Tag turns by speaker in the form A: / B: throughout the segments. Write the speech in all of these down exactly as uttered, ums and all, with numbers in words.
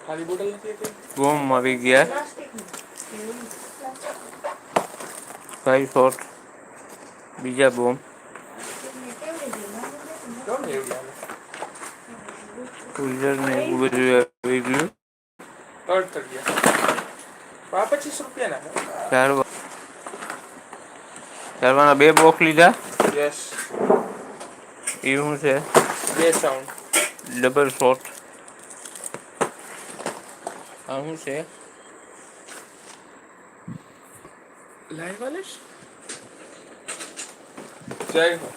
A: ખાલી બોટલ નથી હતી
B: બોમ આવી ગયા ફાઈવ શોટ બીજા બોમ
A: કેમ એવડી હાલે
B: કુલર ને એવું બધું આવી ગયું
A: અર્થ થઈ ગયા આ પચીસ રૂપિયા ના
B: ચાર ચારવાના બે બોક્સ લીધા
A: યસ
B: એ શું છે
A: બે સાઉન્ડ
B: ડબલ શોટ આ શું છે
A: લાઈવ વાલીશ જય હો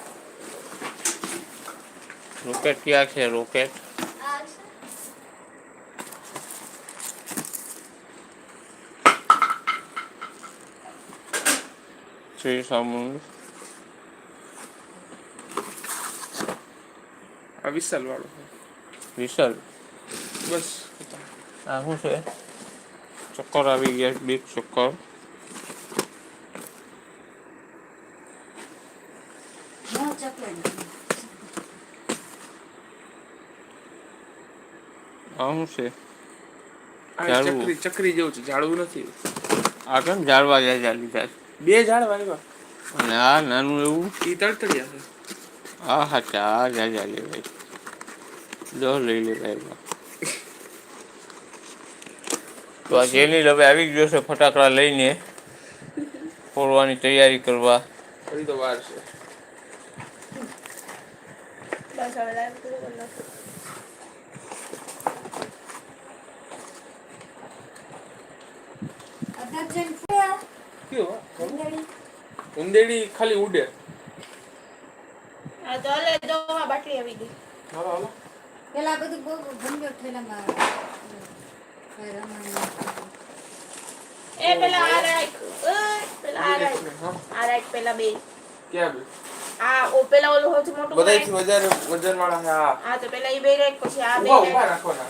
B: રોકેટ ક્યાં છે રોકેટ છે સામું
A: આ વિશાલ વાળો
B: વિશાલ
A: બસ
B: આ શું છે ચક્કર આવી ગયા બિગ ચક્કર આ શું છે
A: આ ચકરી ચકરી જેવું છે ઝાડવું નથી
B: આ કેમ ઝાડવા જાય ચાલી જાય
A: બે ઝાડવા આવ્યા
B: અને આ નાનું એવું
A: એ તડતડિયા છે
B: હા હા ચા જા જા લે ભાઈ જો લઈ લે ભાઈ તો આ જેની હવે આવી ગયો છે ફટાકડા લઈને ફોડવાની તૈયારી કરવા
A: હજી તો વાર છે
C: બસ હવે લાઈવ પૂરો કરી નાખો
A: કયો ઉંદેડી ખાલી ઉડે
C: આ તો લે દો માં બાટલી આવી ગઈ
A: હાલો હાલો
D: પેલા બધું બહુ ભંડો થયેલામાં
C: એ પેલા આ રાઈટ પેલા આ રાઈટ આ રાઈટ પેલા બે
A: ક્યાં બે
C: આ ઓ પેલા ઓલું સૌથી મોટું
A: બધાયથી વધારે વજન વાળા હા
C: હા તો પેલા ઈ બે રાઈટ પછી આ બે
A: ઉભા ઉભા રાખવાના